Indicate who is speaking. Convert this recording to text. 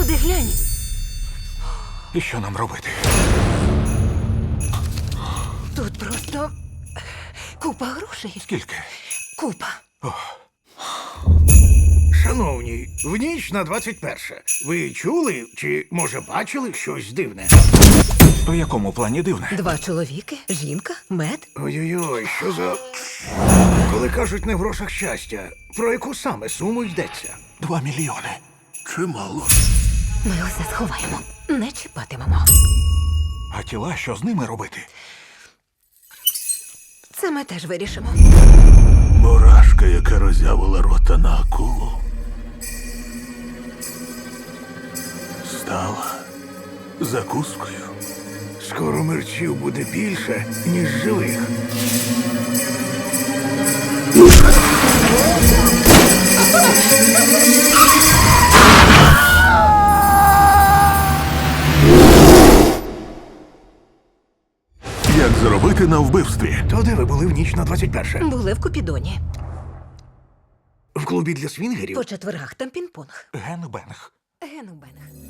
Speaker 1: Туди глянь.
Speaker 2: І що нам робити?
Speaker 1: Тут просто купа грошей.
Speaker 2: Скільки?
Speaker 1: Купа.
Speaker 3: Шановні, в ніч на 21. Ви чули чи, може, бачили щось дивне?
Speaker 2: У якому плані дивне?
Speaker 1: 2 чоловіки, жінка, мед.
Speaker 3: Ой-ой-ой, що за... Коли кажуть не в грошах щастя, про яку саме суму йдеться?
Speaker 2: 2 мільйони.
Speaker 3: Чимало.
Speaker 1: Ми усе сховаємо. Не чіпатимемо.
Speaker 2: А тіла, що з ними робити?
Speaker 1: Це ми теж вирішимо.
Speaker 4: Мурашка, яка роззявила рота на акулу, стала закускою.
Speaker 3: Скоро мерчів буде більше, ніж живих.
Speaker 4: Як заробити на вбивстві?
Speaker 3: То де ви були в ніч на 21?
Speaker 1: Були в Купідоні.
Speaker 3: В клубі для свінгерів?
Speaker 1: По четвергах там пінг-понг.
Speaker 2: Генбенг.
Speaker 1: Генубенг.